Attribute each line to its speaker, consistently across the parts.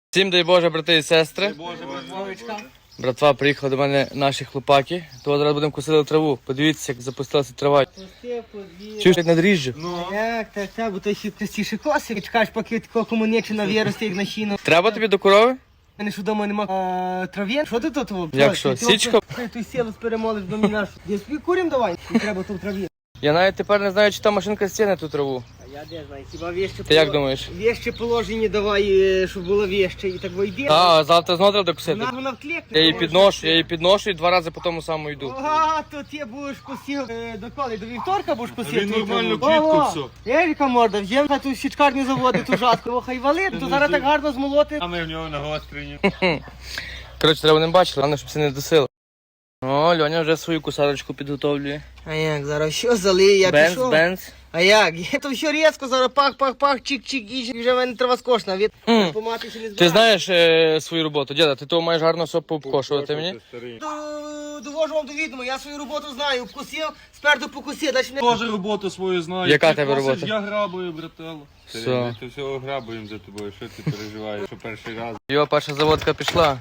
Speaker 1: Всім дай Боже, брати і сестри. Братва, приїхали до мене наші хлопаки. То зараз будемо косити траву. Подивіться, як запустилася трава. Чуєш, як на дріжджі?
Speaker 2: Так, бо то ще простіше коси. Чекаєш, поки такого комунечина виросте, як на щіну.
Speaker 1: Треба тобі до корови?
Speaker 2: У мене ж вдома нема трав'єн. Що ти тут?
Speaker 1: Як що, січка?
Speaker 2: Ти сіло перемолиш до мене. Я собі курім давай, не треба тут трав'єн.
Speaker 1: Я навіть тепер не знаю, чи та машинка стягне ту траву.
Speaker 2: Я де знаю, хіба вещі
Speaker 1: Ти як думаєш?
Speaker 2: Вещі положені давай, щоб було вещі. І так вийде.
Speaker 1: А завтра знову треба косити.
Speaker 2: Вона вклікне.
Speaker 1: Я її підношу і 2 рази по тому самому йду.
Speaker 2: А, то ти будеш косив до коли? До вівторка будеш косив?
Speaker 3: Він нормально квітку все.
Speaker 2: Еріка морда, взяв на ту січкарню заводить, ту жатку. Ох, і валить, то зараз так гарно змолоти.
Speaker 3: А ми в нього на гострені.
Speaker 1: Коротше, треба не бачили, головне, щоб це не досило. О, Льоня вже свою кусарочку підготовлює.
Speaker 2: А як, зараз що залиє, я пішов?
Speaker 1: Бенз.
Speaker 2: А як? Я то все різко, зараз пах, чик-чик, і вже в мене трава скошна. Від помати ще не збираю.
Speaker 1: Ти знаєш свою роботу, діда, ти того маєш гарно все пообкошувати мені?
Speaker 2: Довожу вам до відома, я свою роботу знаю, вкусив, спереду покусив, далі не...
Speaker 3: Теж роботу свою знаю.
Speaker 1: Яка
Speaker 3: Ти
Speaker 1: тебе
Speaker 3: косиш,
Speaker 1: робота?
Speaker 3: Я грабую, брателло.
Speaker 1: Все.
Speaker 3: Ми то всього грабуємо за тобою, що ти переживаєш, що перший раз.
Speaker 1: Його перша заводка пішла.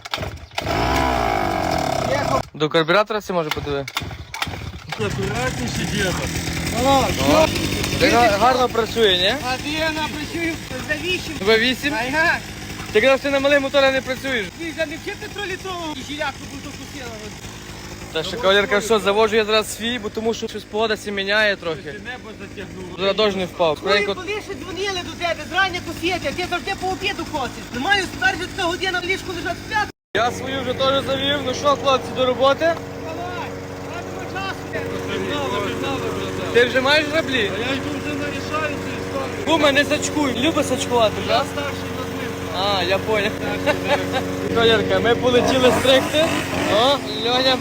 Speaker 1: До карбюратора це може подиви?
Speaker 3: Акуратніше, діда.
Speaker 2: О, що?
Speaker 1: Так гарно працює, ні?
Speaker 2: А ти я напрацюю за 8.
Speaker 1: В8?
Speaker 2: А як?
Speaker 1: Ти казав, що ти на малих моторах не працюєш.
Speaker 2: Ти вже не вчити тролітрову і жиляку буду вкусила.
Speaker 1: Та що кавалерка, що заводжу я зараз свій, бо тому що щось погода сі міняє трохи.
Speaker 3: Небо затягнуло.
Speaker 1: Зараз дощ не впав.
Speaker 2: Коли
Speaker 1: Скоренько.
Speaker 2: ще дзвонили до тебе, зрання косити, а ти завжди по обіду косиш. Не маю тепер вже така година в ліжку лежать спят.
Speaker 1: Я свою вже теж завів. Ну що, хлопці, до роботи?
Speaker 2: Давай, радимо часу.
Speaker 1: Ти вже маєш граблі?
Speaker 3: Я йду вже нарішаю цю історію.
Speaker 1: Куме, не сачкуй. Любить сачкувати,
Speaker 3: Я
Speaker 1: так?
Speaker 3: старший над ним.
Speaker 1: А, я понял. Кавалерка, ми полетіли стригти. О, Льоня.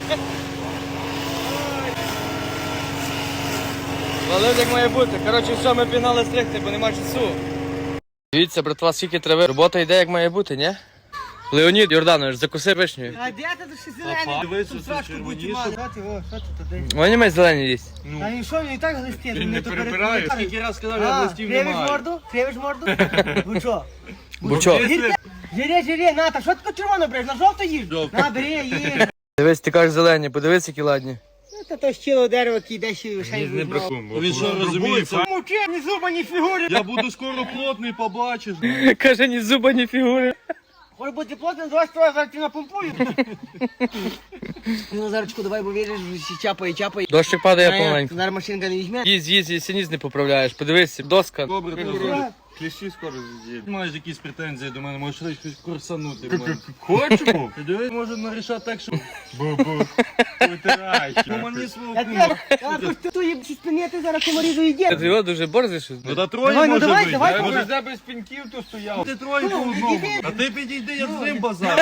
Speaker 1: Валив як має бути. Коротше, все, ми пігнали стригти, бо нема часу. Дивіться, братва, скільки трави. Робота йде як має бути, ні? Леонід Йорданович, закуси вишню.
Speaker 2: А де ти ще зелений?
Speaker 3: Дивись,
Speaker 2: Тут
Speaker 3: оце
Speaker 2: срачку
Speaker 3: червоніше.
Speaker 2: будь мати. Що ти туди?
Speaker 1: Вони мають зелені їсть.
Speaker 2: А він що, він і так глистить?
Speaker 3: Він не перебирає. Скільки раз сказав, я листів
Speaker 2: Кривиш
Speaker 3: немає.
Speaker 2: морду? Кривиш морду? Бучо.
Speaker 1: Бучо.
Speaker 2: Жире, Ната, що ти червоно береш? На жовто їж?
Speaker 3: Жовто.
Speaker 2: На, бери, їж.
Speaker 1: Дивись, ти кажеш зелені, подивись, які ладні.
Speaker 2: Ну, та то щіло дерево, яке йде ще й
Speaker 3: Не бракуємо. Він що розуміється?
Speaker 2: Муки, ні зуба, ні фігури.
Speaker 3: Я буду скоро плотний, побачиш.
Speaker 1: Каже, ні зуба, ні фігури.
Speaker 2: Може бути плотним, давай строй, зараз ти напомпую. Ну, Назарочку, давай, бо віриш, чапає.
Speaker 1: Дощик падає помаленьку.
Speaker 2: Зараз машинка не візьме.
Speaker 1: Їсть, синіс не поправляєш. Подивись, доска.
Speaker 3: Добре, добре. Кліщі скоро з'їдуть. Маєш якісь претензії до мене, можеш щось курсанути. Хочемо? Ти дивись, може нарішати так, що... Бу-бу. Витирай. Мені свого кума.
Speaker 2: Я тут їм спинити, зараз комарі доїде.
Speaker 1: Ти його дуже борзиш.
Speaker 3: Ну та троє
Speaker 2: Давай, ну,
Speaker 3: може
Speaker 2: давай,
Speaker 3: бути.
Speaker 2: давай,
Speaker 3: Я
Speaker 2: давай.
Speaker 3: може тебе без піньків то стояв. Ти троє по одному. А ти підійди, я з ним базар.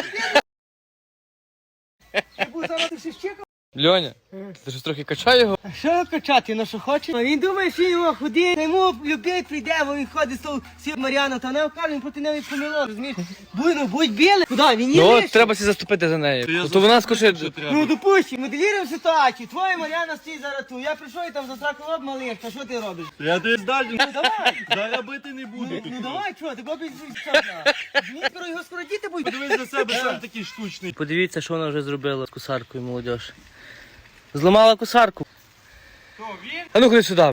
Speaker 2: Я буду зараз ти ще щекав.
Speaker 1: Льоня, ти щось трохи качай його.
Speaker 2: А що качати, ну що хоче? Він думає, що його ході, йому любий прийде, бо він ходить з того всі Мар'яна, та не вкаже, він проти неї помило, розумієш? Будь білий. Куди? Він
Speaker 1: Ну
Speaker 2: є
Speaker 1: от
Speaker 2: лише.
Speaker 1: треба сі заступити за нею. То вона скочить.
Speaker 2: Ну, допустим, моделіруємо ситуацію. Твоя Мар'яна стоїть зараз тут. Я прийшов і там застракував малих, та що ти робиш?
Speaker 3: Я ти здалі.
Speaker 2: Ну давай.
Speaker 3: Зараз бити не буду.
Speaker 2: Ну давай, чого, ти копій скоро його скоро діти будуть.
Speaker 3: Подивись на себе, сам такий штучний.
Speaker 1: Подивіться, що вона вже зробила з кусаркою, молодь. Зламала кусарку.
Speaker 3: Хто, він?
Speaker 1: А ну ходи сюди.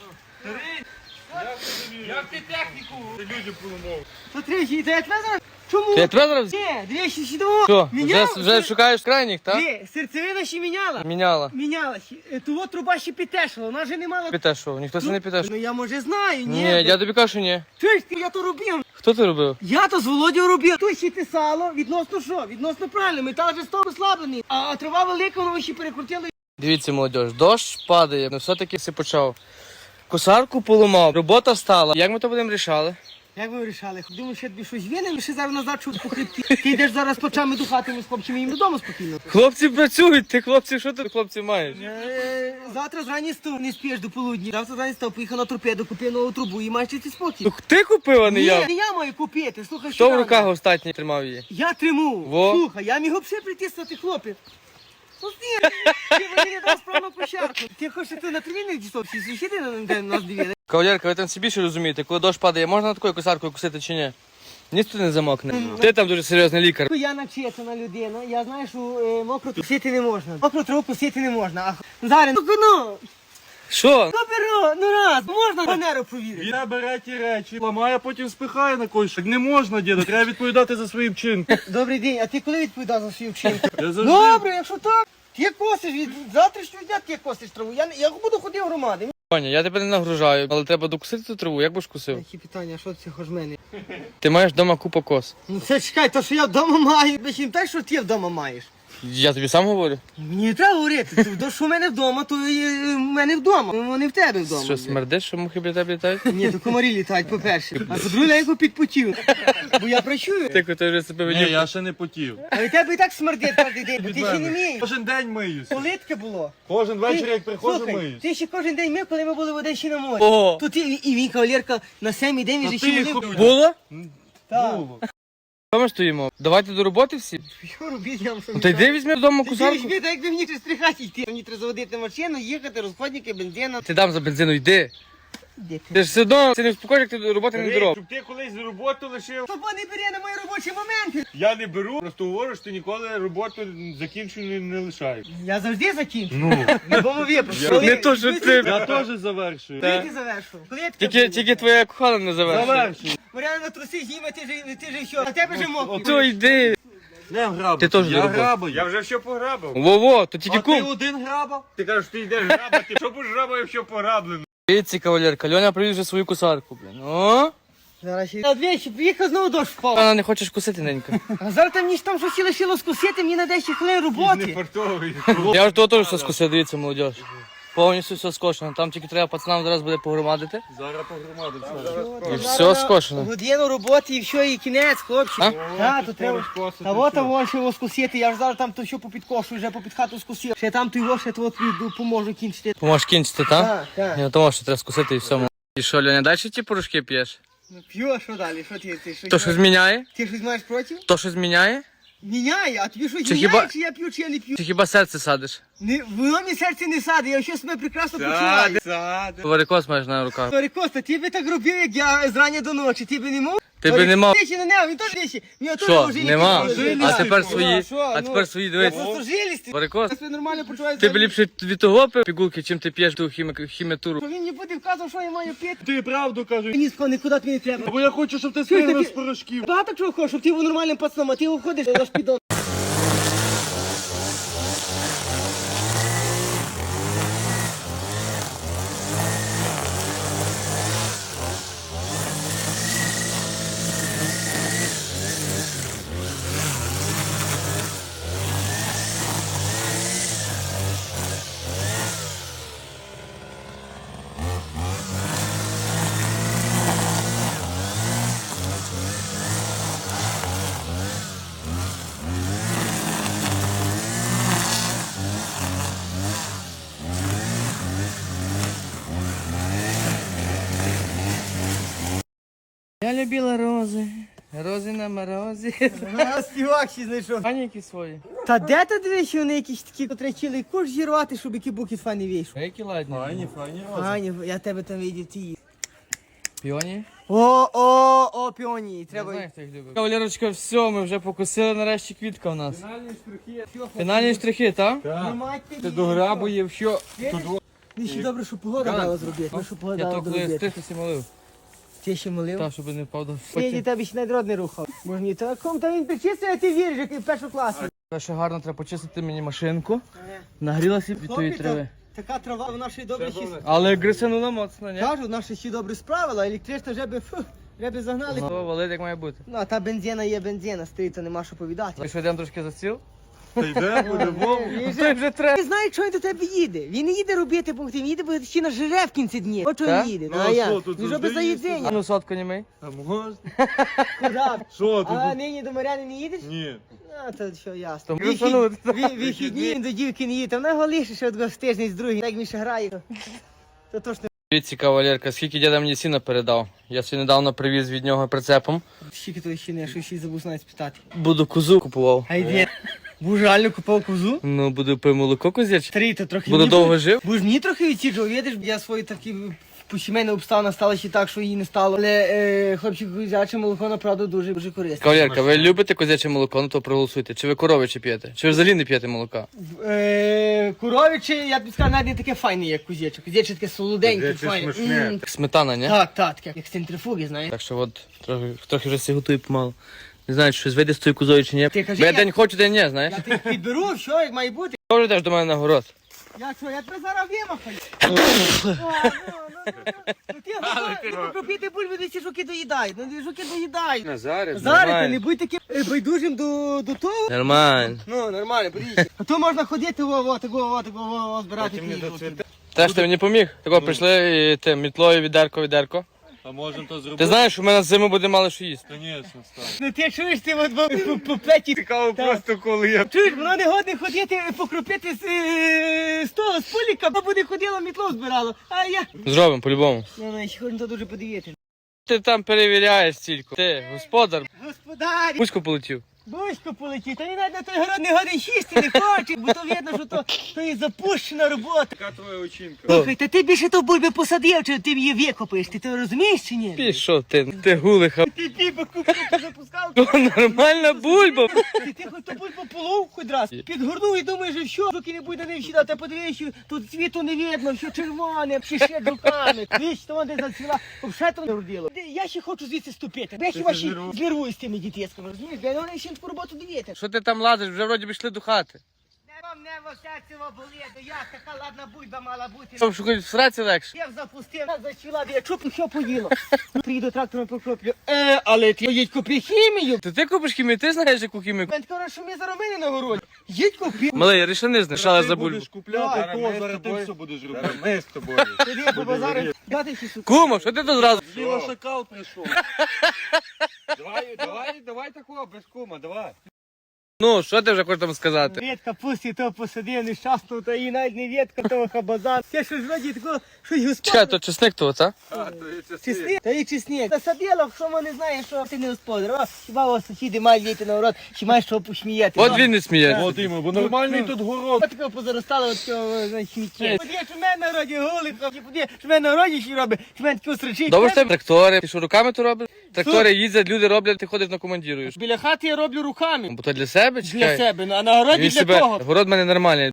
Speaker 3: Як ти техніку? Ти людям поламав.
Speaker 2: Що тричі, та я тебе зараз? Чому?
Speaker 1: Ти тебе зараз?
Speaker 2: Ні, двічі сідомо.
Speaker 1: Що,
Speaker 2: Міняла?
Speaker 1: вже шукаєш крайніх, так?
Speaker 2: Ні, серцевина ще міняла.
Speaker 1: Міняла.
Speaker 2: Міняла. Того труба ще підтешила, вона вже не мала.
Speaker 1: Підтешував, ніхто це не підтешував.
Speaker 2: Ну я може знаю, ні.
Speaker 1: Ні, я тобі кажу, що ні.
Speaker 2: Чуєш, я то робив.
Speaker 1: Хто це робив?
Speaker 2: Я то з Володією робив. Тут ще писало, відносно що? Відносно правильно, метал вже став ослаблений. А трава велика, воно ще перекрутили.
Speaker 1: Дивіться, молодь, дощ падає, але все-таки все почав. Косарку поламав, робота стала. Як ми то будемо рішали?
Speaker 2: Як ви вирішали? Думаю, що тобі щось винен, ще зараз назад чуть по хребті. Ти йдеш зараз по чами до хати, ми з хлопцями їм додому спокійно.
Speaker 1: Хлопці працюють, ти хлопці, що ти хлопці маєш?
Speaker 2: Завтра зрані став, не спіш до полудні. Завтра зрані став, поїхав на торпеду, купив нову трубу і маєш ти спокій.
Speaker 1: Ну ти купив, а не
Speaker 2: Ні,
Speaker 1: я.
Speaker 2: не я маю купити, слухай,
Speaker 1: Хто в
Speaker 2: рано.
Speaker 1: руках остатній тримав її?
Speaker 2: Я триму.
Speaker 1: Во.
Speaker 2: Слухай, я міг взагалі притиснути хлопець. Ну ні, ти мені не дав справну площадку. Ти хочеш ти на тренінг дійшов, всі сусіди на нас дивили.
Speaker 1: Кавалерка, ви там всі більше розумієте, коли дощ падає, можна на такою косаркою косити чи ні? Ніс тут не замокне. Ти там дуже серйозний лікар.
Speaker 2: Я начитана людина, я знаю, що мокру косити не можна. Мокру траву косити не можна. А зараз, ну,
Speaker 1: Що?
Speaker 2: беру, ну раз, можна фанеру провірити.
Speaker 3: Він бере ті речі, ламає, а потім спихає на когось. Так не можна, діда, треба відповідати за свої вчинки.
Speaker 2: Добрий день, а ти коли відповідав за свої вчинки?
Speaker 3: Я завжди...
Speaker 2: Добре, якщо так, ти косиш, від завтрашнього дня ти косиш траву. Я буду ходити в громади.
Speaker 1: Ваня, я тебе не нагружаю, але треба докусити ту траву, як би ж кусив?
Speaker 2: Які питання, що це хоч мене?
Speaker 1: Ти маєш вдома купу кос.
Speaker 2: Ну це чекай, то що я вдома маю, ви ще не так, що ти вдома маєш.
Speaker 1: Я тобі сам говорю.
Speaker 2: Мені не треба говорити, то що в мене вдома, то і в мене вдома, вони в тебе вдома.
Speaker 1: Що, смердиш, що мухи біля тебе літають?
Speaker 2: Ні, то комарі літають, по-перше. А по-друге, я підпочив. Бо я працюю.
Speaker 1: Ти вже себе
Speaker 3: Ні,
Speaker 1: ведів.
Speaker 3: я ще не потів.
Speaker 2: А від тебе і так смердить кожен день, бо ти ще не мієш.
Speaker 3: Кожен день миюся.
Speaker 2: Политке було.
Speaker 3: Кожен вечір, як приходжу,
Speaker 2: Слухай,
Speaker 3: миюсь.
Speaker 2: ти ще кожен день мив, коли ми були в Одесі на морі.
Speaker 1: Ого.
Speaker 2: Тут і він, кавалерка, на 7-й день він
Speaker 3: Та
Speaker 2: же
Speaker 3: ти
Speaker 2: ще
Speaker 3: їх
Speaker 2: молив.
Speaker 1: Було?
Speaker 2: Так.
Speaker 3: Було.
Speaker 1: Що ми стоїмо? Давайте до роботи всі.
Speaker 2: Що робити, я вам що
Speaker 1: Ну та йди візьми вдома
Speaker 2: Ти
Speaker 1: кусарку.
Speaker 2: візьми, так якби мені через стрихати йти. Мені треба заводити машину, їхати, розходники, бензина.
Speaker 1: Ти дам за бензину, йди.
Speaker 2: Де ти?
Speaker 1: Ти ж все одно це не вспокоїш, як ти до роботи не доробиш.
Speaker 3: Щоб ти колись роботу лишив.
Speaker 2: Тобо не бери на мої робочі моменти.
Speaker 3: Я не беру, просто говорю, що ти ніколи роботу закінчену не лишаєш.
Speaker 2: Я завжди закінчу.
Speaker 3: Ну,
Speaker 2: Не було випадку.
Speaker 1: Не то, що ти.
Speaker 3: я теж завершую.
Speaker 2: Коли ти завершив? Коли я таке
Speaker 1: Тільки твоя кохана не завершила.
Speaker 3: Завершую.
Speaker 2: Мар'яна на труси зніме, ти же що? А тебе же мокрий.
Speaker 1: То йди.
Speaker 3: Не грабив.
Speaker 1: Ти теж
Speaker 3: Я
Speaker 1: до роботи.
Speaker 3: грабив. Я вже все пограбив.
Speaker 1: Во-во, то тільки
Speaker 3: А ти
Speaker 1: кум.
Speaker 3: один грабав? Ти кажеш, ти йдеш грабати. Що будеш грабав, якщо пограблено?
Speaker 1: Дивіться, кавалерка, Льоня привіз вже свою кусарку, блін. О,
Speaker 2: Зараз ще. Двічі, приїхав знову дощ впав.
Speaker 1: вона не хочеш кусити, ненька.
Speaker 2: А зараз там ніч там щось лишило скусити, мені на 10 хвилин
Speaker 3: Не
Speaker 2: роботи.
Speaker 3: фартовий.
Speaker 1: Я вже того теж все скусив, дивіться, молодь. Повністю все скошено. Там тільки треба пацанам зараз буде погромадити.
Speaker 3: Зараз погромадив все.
Speaker 1: І все скошено.
Speaker 2: Годину роботи і все, і кінець, хлопчик.
Speaker 1: А?
Speaker 2: Так, то треба. А от того ще його скусити, я ж зараз там то що попід кошу, вже попід хату скусив. Ще там то його, ще то тобі допоможу кінчити.
Speaker 1: Поможеш кінчити, так?
Speaker 2: Так, так.
Speaker 1: Я тому, що треба скусити і все. І що, Льоня, далі ті порошки п'єш?
Speaker 2: Ну п'ю, а що далі? Що ти щось
Speaker 1: То що зміняє?
Speaker 2: Ти щось маєш проти?
Speaker 1: То що зміняє?
Speaker 2: Міняє, а тобі щось
Speaker 1: Чи
Speaker 2: міняє,
Speaker 1: хіба-
Speaker 2: чи я п'ю, чи я не п'ю?
Speaker 1: Чи хіба серце садиш?
Speaker 2: Воно мені серце не саде, я ще себе прекрасно почуваю.
Speaker 1: Варикоз маєш на руках.
Speaker 2: Говори, Коста, ти би так робив, як я зрання до ночі, ти би не мав?
Speaker 1: Ти би не мав.
Speaker 2: Ти ще на нього, він теж вещі.
Speaker 1: Що, нема? А тепер
Speaker 2: Ну,
Speaker 1: свої,
Speaker 2: що,
Speaker 1: а
Speaker 2: ну,
Speaker 1: тепер свої,
Speaker 2: Я
Speaker 1: дивись.
Speaker 2: просто жилістий.
Speaker 1: Варикоз,
Speaker 2: Я себе нормально почуваю.
Speaker 1: ти б ліпше від того пив пігулки, чим ти п'єш ту хіміатуру.
Speaker 2: Він не буде вказувати, що я маю пити.
Speaker 3: Ти правду кажеш.
Speaker 2: Ні, нікуди тобі не треба.
Speaker 3: Бо я хочу, щоб ти
Speaker 2: Чуєш,
Speaker 3: спригнув
Speaker 2: ти-
Speaker 3: з порошків.
Speaker 2: Багато чого хочеш, щоб ти був нормальним пацаном, а ти виходиш, аж підон.
Speaker 1: Я любила рози, рози на морозі.
Speaker 2: Співак ще знайшов.
Speaker 1: Паніки свої.
Speaker 2: Та де ти дивиш, вони якісь такі, котрі чили куш зірвати, щоб які буки фані вийшов?
Speaker 1: Які ладні.
Speaker 3: Файні.
Speaker 2: Аня, я тебе там видів, ти.
Speaker 1: Піоні?
Speaker 2: О, піоні,
Speaker 1: Я
Speaker 2: треба.
Speaker 1: знаю, хто їх любить. Кавалерочка, все, ми вже покусили нарешті квітка у нас. Фінальні штрихи, так?
Speaker 3: Ти дограбує, що...
Speaker 2: Він ще добре, що погода дала зробити. Ну, що погода
Speaker 1: Я
Speaker 2: дала
Speaker 1: то коли
Speaker 2: зробити.
Speaker 1: стрихнувся молив.
Speaker 2: Ти ще молив?
Speaker 1: Так, щоб не впав до
Speaker 2: Сьогодні тебе ще найдрод не рухав. Боже мій, та кому та він причистив, а ти віриш, який в першу класу.
Speaker 1: Ще гарно треба почистити мені машинку. Нагрілася від тої трави.
Speaker 2: Така трава, вона ще й добре ще...
Speaker 1: Але грисанула моцно, ні?
Speaker 2: Кажу, вона ще добре справила, електрична вже би загнали.
Speaker 1: Ну, валить як має бути.
Speaker 2: Ну, а та бензина є бензина, стоїть, то нема що повідати.
Speaker 1: Ми що, йдемо трошки за стіл?
Speaker 3: Та йде, по-любому.
Speaker 2: Він
Speaker 1: Той вже треба.
Speaker 2: не знає, що він до тебе їде. Він не їде робити пункти, він їде, бо ще на жере в кінці дні. От чого
Speaker 1: Так?
Speaker 2: він їде.
Speaker 3: Ну,
Speaker 2: Ну,
Speaker 3: а
Speaker 2: а я?
Speaker 3: що, тут
Speaker 2: Він ж
Speaker 3: завжди
Speaker 2: би за
Speaker 3: їсти?
Speaker 1: А
Speaker 2: їдзення.
Speaker 1: ну, сотку не мий.
Speaker 3: А можна?
Speaker 2: Куди?
Speaker 3: Що тут?
Speaker 2: А нині до Маряни не їдеш?
Speaker 3: Ні.
Speaker 2: А, то що ясно.
Speaker 1: То грисанули.
Speaker 2: Вихідні він до дівки не їде. Та вона його лише ще одного тиждень з другим. Як він ще грає, то точно.
Speaker 1: Дивіться, кавалерка, скільки діда мені сіна передав. Я сьогодні недавно привіз від нього прицепом.
Speaker 2: Скільки то ще не, що ще й забув навіть спитати.
Speaker 1: Буду козу купував.
Speaker 2: А йди. Буж реально купав козу?
Speaker 1: Ну, буду пив молоко козяче.
Speaker 2: Старий, то трохи
Speaker 1: Буду
Speaker 2: мені
Speaker 1: довго
Speaker 2: буде-
Speaker 1: жив.
Speaker 2: Буж мені трохи відсіджував, видиш, я свої такі по сімейна обставина стала ще так, що її не стало. Але хлопчик, козяче молоко, направду, дуже, дуже корисне.
Speaker 1: Кавалерка, ви любите козяче молоко, ну то проголосуйте. Чи ви коровиче п'єте? Чи ви взагалі не п'єте молока?
Speaker 2: Коровиче, я тобі скажу, навіть не таке файне, як козяче. Козяче таке солоденьке, файне.
Speaker 1: Як сметана, ні?
Speaker 2: Так, таке, як з центрифуги, знаєш.
Speaker 1: Так що от, трохи вже всі готую помалу. Не знаю, чи щось вийде з тою козою чи ні.
Speaker 2: Ти кажи,
Speaker 1: Бо я
Speaker 2: я-
Speaker 1: день хочу, день ні, знаєш.
Speaker 2: Я тебе підберу, що, як має бути.
Speaker 1: Добре йдеш до мене на город.
Speaker 2: Я що, я тебе зараз вимахаю. Ти купити бульбу, де ці жуки доїдають. Ну, жуки доїдають.
Speaker 3: Назаре,
Speaker 2: Зараз ти не будь таким байдужим до того.
Speaker 1: Нормально.
Speaker 2: Ну, нормально, подивіться. А то можна ходити, збирати ті жуки.
Speaker 1: Теж ти мені поміг. Тако прийшли і ти мітлою відерко.
Speaker 3: а можемо то зробити?
Speaker 1: Ти знаєш, що в мене зиму буде мало що їсти.
Speaker 3: Звісно, став.
Speaker 2: Ну ти чуєш, ти от по петі.
Speaker 3: Цікаво просто, коли я...
Speaker 2: Чуєш, воно не годне ходити, покропити з того, з пуліка, бо буде ходило, мітло збирало. А я...
Speaker 1: Зробимо, по-любому.
Speaker 2: Ну, ще хочу дуже подивитися.
Speaker 1: Ти там перевіряєш стільки. Ти, господар,
Speaker 2: Господарі,
Speaker 1: пуську полетів.
Speaker 2: бузько полетів, та він навіть на той город не годин їсти не хоче, бо то видно, що то є запущена робота.
Speaker 3: Яка твоя очінка?
Speaker 2: Слухай, та ти більше то бульби посадив, чи ти її викопаєш, ти то розумієш чи ні?
Speaker 1: Пішов ти гулиха.
Speaker 2: Ти бульбу запускав,
Speaker 1: То нормальна бульба.
Speaker 2: ти хоч ту бульбу полов хоч раз, підгорнув і думаєш, що що, жуки не буде не всідати, подивись, що тут цвіту не видно, що червоне, ще жуками, віч, то вони зацвіла, взагалі то не родило. Я ще хочу звідси ступити, бо я хіба ще знервую з тими дітєсками, розумієш, бо вони ще таку роботу дивіться.
Speaker 1: Що ти там лазиш? Вже вроді б йшли до хати.
Speaker 2: Не во серцево боліду, як така ладна бульба мала бути.
Speaker 1: Щоб шукати в сраці легше.
Speaker 2: Я запустив, зачала, я чупну, що поїла. Приїду трактором покроплю. Але ти їдь купи хімію.
Speaker 1: Ти купиш хімію, ти знаєш, яку хімію?
Speaker 2: Він каже, що ми заробили на городі. Їдь купи.
Speaker 1: Малий, рішени знайшла за бульбу.
Speaker 3: Будеш купляти,
Speaker 2: Давай,
Speaker 3: то зараз ти все будеш робити. Ми з тобою.
Speaker 2: Тоді по базару дати ще сука.
Speaker 1: Кума, що ти тут зразу?
Speaker 3: Ліва шакал прийшов. Давай такого, без кума, давай.
Speaker 1: Ну, що ти вже хочеш там сказати?
Speaker 2: Ветка пусті, то посадив нещасну, та і навіть не ветка, того хабазан. Це щось вроді такого, щось
Speaker 1: Чекай,
Speaker 2: господар.
Speaker 1: то чесник того, та?
Speaker 2: Чесник? Та і чесник. Засадила, що вони знають, що ти не господар. О, хіба у вас сусіди мають діти на город, чи маєш що посміяти.
Speaker 1: От він не сміється.
Speaker 3: От імо, бо нормальний тут город.
Speaker 2: От такого позаростало, от цього, знаєш, сміття. Подивись, що в мене на роді голиха, подивись, що в мене на роді ще робить, що в мене таке строчить.
Speaker 1: Добре, що тебе трактори. Ти що, руками то робиш? Трактори їздять, люди роблять, ти ходиш на командіруєш.
Speaker 2: Біля хати я роблю руками.
Speaker 1: Бо то для себе,
Speaker 2: Для
Speaker 1: чекай.
Speaker 2: себе, а на городі
Speaker 1: Він
Speaker 2: для
Speaker 1: себе,
Speaker 2: того.
Speaker 1: город в мене нормальний.